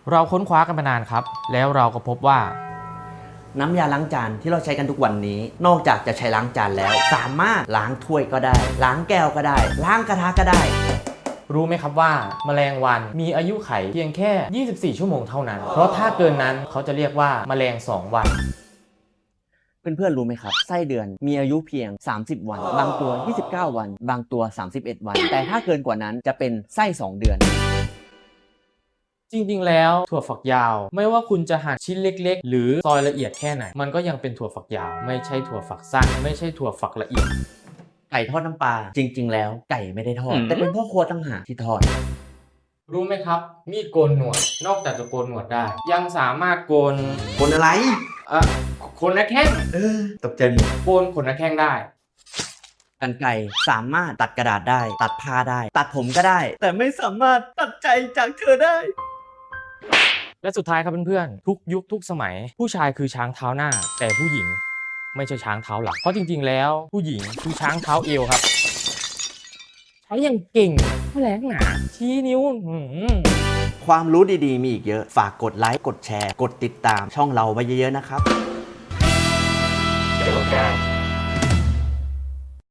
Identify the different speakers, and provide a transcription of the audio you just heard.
Speaker 1: เราค้นคว้ากันมานานครับแล้วเราก็พบว่า
Speaker 2: น้ำยาล้างจานที่เราใช้กันทุกวันนี้นอกจากจะใช้ล้างจานแล้วสามารถล้างถ้วยก็ได้ล้างแก้วก็ได้ล้างกระทะก็ได้
Speaker 1: รู้ไหมครับว่าแมลงวันมีอายุไขเพียงแค่24ชั่วโมงเท่านั้นเพราะถ้าเกินนั้นเขาจะเรียกว่าแมลง2วัน
Speaker 2: เพื่อนๆรู้ไหมครับไส้เดือนมีอายุเพียง30วันบางตัว29วันบางตัว31วันแต่ถ้าเกินกว่านั้นจะเป็นไส้2เดือน
Speaker 1: จริงๆแล้วถั่วฝักยาวไม่ว่าคุณจะหั่นชิ้นเล็กๆหรือซอยละเอียดแค่ไหนมันก็ยังเป็นถั่วฝักยาวไม่ใช่ถั่วฝักสั้นไม่ใช่ถั่วฝักละเอียด
Speaker 2: ไก่ทอดน้ำปลาจริงๆแล้วไก่ไม่ได้ทอดแต่เป็นพ่อครัวต่างหากที่ทอด
Speaker 1: รู้ไหมครับมีดโกนหนวดนอกจากจะโกนหนวดได้ยังสามารถโกน
Speaker 2: คนอะไร
Speaker 1: เอ่อขนหน้าแข้ง
Speaker 2: ตกใจหมด
Speaker 1: โกนขนหน้าแข้งได้
Speaker 2: กรรไกรสามารถตัดกระดาษได้ตัดผ้าได้ตัดผมก็ได้แต่ไม่สามารถตัดใจจากเธอได้
Speaker 1: และสุดท้ายครับเพื่อนๆทุกยุคทุกสมัยผู้ชายคือช้างเท้าหน้าแต่ผู้หญิงไม่ใช่ช้างเท้าหลังเพราะจริงๆแล้วผู้หญิงคือช้างเท้าเอวครับใช้อย่างเก่งแถลงหนาชี้นิ้ว
Speaker 2: ความรู้ดีๆมีอีกเยอะฝากกดไลค์กดแชร์กดติดตามช่องเราไว้เยอะๆนะครับ